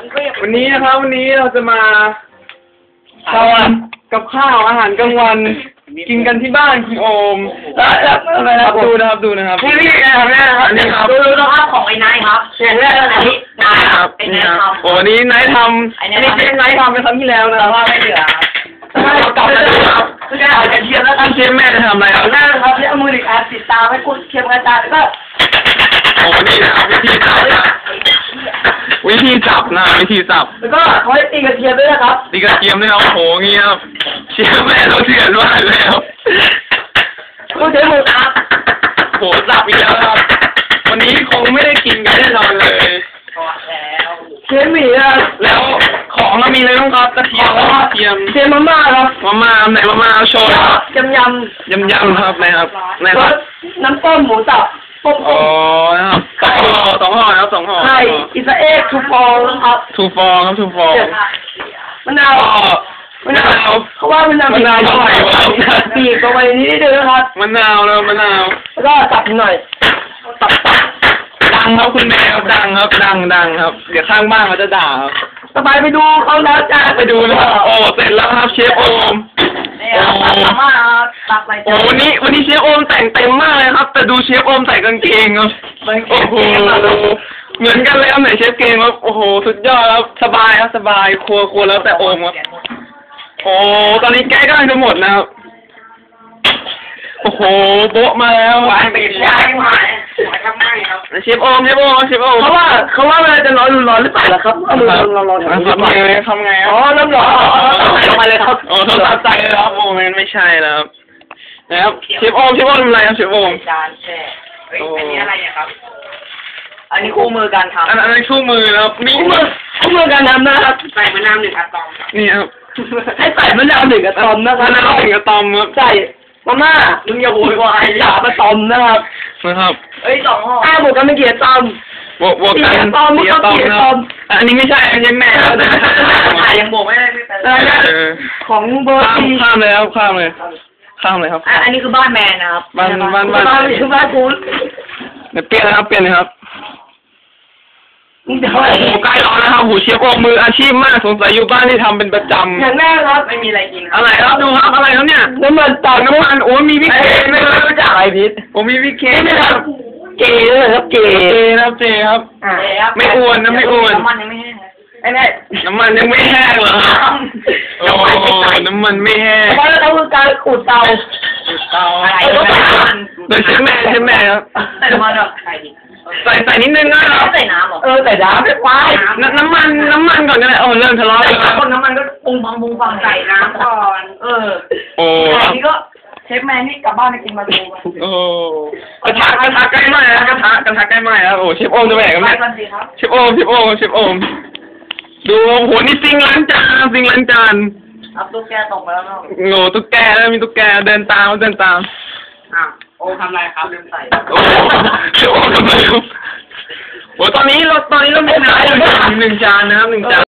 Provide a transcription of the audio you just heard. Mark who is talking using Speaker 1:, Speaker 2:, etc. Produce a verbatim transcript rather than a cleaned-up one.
Speaker 1: วันนี้นะครับวันนี้เราจะมาทำกับข้าวอาหารกลางวันกินกันที่บ้านคุณโอมครับดูนะครับดูนะครับนี่นี่ครับนี่ครับนี่ครับ
Speaker 2: ดูดูนะครับของไอ้นายครับอย่างแรกเลยนี่นายครับไอ้นายทำ
Speaker 1: โอ้นี่นายทำอันนี้เชฟนายทำเป็นครั้งที่แล้วนะ
Speaker 2: แต่ว่าไม่เหลือ
Speaker 1: เรากลับมาดูครับคือการเอากระเทียมแล้วกันเชฟแม่จะทำอะไรครับ
Speaker 2: แรกครับที่เอามือหนึ่งอันติดตามให้คุณเทียมกระจายแล้วก็
Speaker 1: โอ้นี่นะครับวิธีจับนะวิธีจับนะวิธีจับ
Speaker 2: แล้วก็เขาให้ตีกระเทียมด้วยนะครับ
Speaker 1: ตีกระเทียมด้วยครับโหงี้ครับเชฟแม่เราเถื่อนมากเลยครับ
Speaker 2: คุณใช้มือครับ
Speaker 1: โหจับอีกแล้วครับวันนี้คงไม่ได้กินกันแน่นอนเลย
Speaker 2: แล้วเชฟหมี่อะ
Speaker 1: แล้วของเรามีอะไรบ้างครับกระเทียมแล้วกระเทียม
Speaker 2: เชฟมาม่าครับ
Speaker 1: มาม่าไหนมาม่าโชว์ครับ
Speaker 2: ยำย
Speaker 1: ำยำยำครับนะครับนะครับ
Speaker 2: น้ำต้มหมูสับต้ม
Speaker 1: อ๋อนะครับสองห่อสองห่อครับสองห่อ
Speaker 2: ไข่อิสราเอลทูฟองครับ
Speaker 1: ทูฟองครับทูฟอง
Speaker 2: มะนาว
Speaker 1: มะนาว
Speaker 2: เขาว่ามันมะนาวอร่อยปีกเอาไว้นี้ได้เลยครับ
Speaker 1: มะนาวแล้วมะนาว
Speaker 2: แล้วก็ตับหน่อยตับตับ
Speaker 1: ดังครับคุณแมวดังครับดังดังครับเดี๋ยวข้างบ้านเขาจะด่าครับ
Speaker 2: สบายไปดูเขาแล้วจ้า
Speaker 1: ไปดูนะครับโอ้เสร็จแล้วครับเชฟโอม
Speaker 2: โอ้มาตักไป
Speaker 1: โอ้วันนี้วันนี้เชฟโอมแต่งเต็มมากเลยครับแต่ดูเชฟโอมใส่กางเกงครับโอ้โหเหมือนกันเลยครับไหนเชฟเกงครับโอ้โหสุดยอดครับสบายครับสบายครัวครัวแล้วแต่โอมครับโอ้ตอนนี้แก๊สกำลังจะหมดแล้วโอ้โหโบ๊ะมาแล้ว
Speaker 2: วางติดยางมาทำไมครับ
Speaker 1: เชฟโอมเชฟโอมเชฟโอม
Speaker 2: เขาว่าเขาว่าเวลาจะร้อนร้อนหรือเปล่าล่ะครับเอามือร้อนร้อน
Speaker 1: ทำไงทำไง
Speaker 2: อ๋อน้ำร้อนลงมาเลยครับ
Speaker 1: โอ้ทำใจเลยครับโอ้มันไม่ใช่แล้วครับนะครับเชฟโอมเชฟโอมทำอะไรครับเชฟโอม
Speaker 2: จานแช่อันนี้อะไรครับอันนี้คู่มือการทำ
Speaker 1: อันนั้นคู่มือแล้วมี
Speaker 2: คู่มือคู่มือการทำนะครับใส่มะนาวหนึ่งอะตอม
Speaker 1: นี่ครับ
Speaker 2: ให้ใส่มะนาวหนึ่งอะตอมนะครับ
Speaker 1: มะนาวหนึ่งอะตอมครับ
Speaker 2: ใส่มาม่ามึงอย่าโวยวายอย่ามาตอมนะครับ
Speaker 1: นะครับ
Speaker 2: เอ้ยสองห่ออ้าวบวกกันไม่เกี่ยวตอม
Speaker 1: บวกบวกกัน
Speaker 2: ตอมก็เกี่ยวตอม
Speaker 1: อันนี้ไม่ใช่อันนี้แม่แล้วนะ
Speaker 2: ถ่ายยังบวกไม่ได้ไม่เป็นของเบอร์
Speaker 1: ข้ามข้ามเลยครับข้ามเลยข้ามเลยครับ
Speaker 2: อันนี้คือบ้านแมนนะครับ
Speaker 1: บ้านบ้านบ้าน
Speaker 2: คือบ้านคุณ
Speaker 1: เดี๋ยวเปลี่ยนนะครับเปลี่ยนเลยครับโอ้ใกล้ร้อนแล้วครับหูเชฟโอมมืออาชีพมากสงสัยอยู่บ้านที่ทำเป็นประจำ
Speaker 2: อย่างแรกครับไม่มีอะไรกิน
Speaker 1: อะไรครับดูครับอะไรครับเนี่ย
Speaker 2: น้ำมันตับ
Speaker 1: น้ำมันโอ้มีพริกเกไม่
Speaker 2: รู้จักอะไรพิษ
Speaker 1: โอ้มีพริกเก
Speaker 2: ไม่ครับเกเลยครับเก
Speaker 1: ครับเจครับไม่อ้วนนะไม่อ้วน
Speaker 2: น้ำมันยังไม่แห้งไอ้นี่
Speaker 1: น้ำมันยังไม่แห้งเหรอโอ้น้ำมันไม่แห้ง
Speaker 2: เพราะเราคือการขูดเตา
Speaker 1: ขูดเตาอะไรโดยใช้แม่ใช้แม่ครับ
Speaker 2: ใส่น้ำมันใส่
Speaker 1: ใส่ใส่นิดนึงนะครับ
Speaker 2: ใส่น้ำหรอเออใส่น้ำไม่ควาย
Speaker 1: น้ำมันน้ำมันก่อนก็ได้โอ้เริ่มทะเลาะ
Speaker 2: แล้วคนน้ำมันก็ปุงฟังปุงฟังใส่น้ำก่อนเออ
Speaker 1: โอ้
Speaker 2: นี่ก็เชฟแมนนี่กลับบ้านไปกินมาดู
Speaker 1: โอ้กระทะกระทะใกล้ไหม้แล้วกระทะกระทะใกล้ไหม้แล้วโอ้เชฟโอมจะแบกกันไหมเชฟโอมเชฟโอมเชฟโอมดูโหนี่ซิงล้างจานซิงล้างจาน
Speaker 2: ครับตุ๊กแกตกไปแล้วเนาะ
Speaker 1: โง่ตุ๊กแกแล้วมีตุ๊กแกเดินตามเดินตาม
Speaker 2: อ่ะโอทำไรครับลืมใส่
Speaker 1: โอ้เชฟโอทำไรครับโอ้ตอนนี้เราตอนนี้เราไม่ได้หนึ่งจานนะครับหนึ่งจาน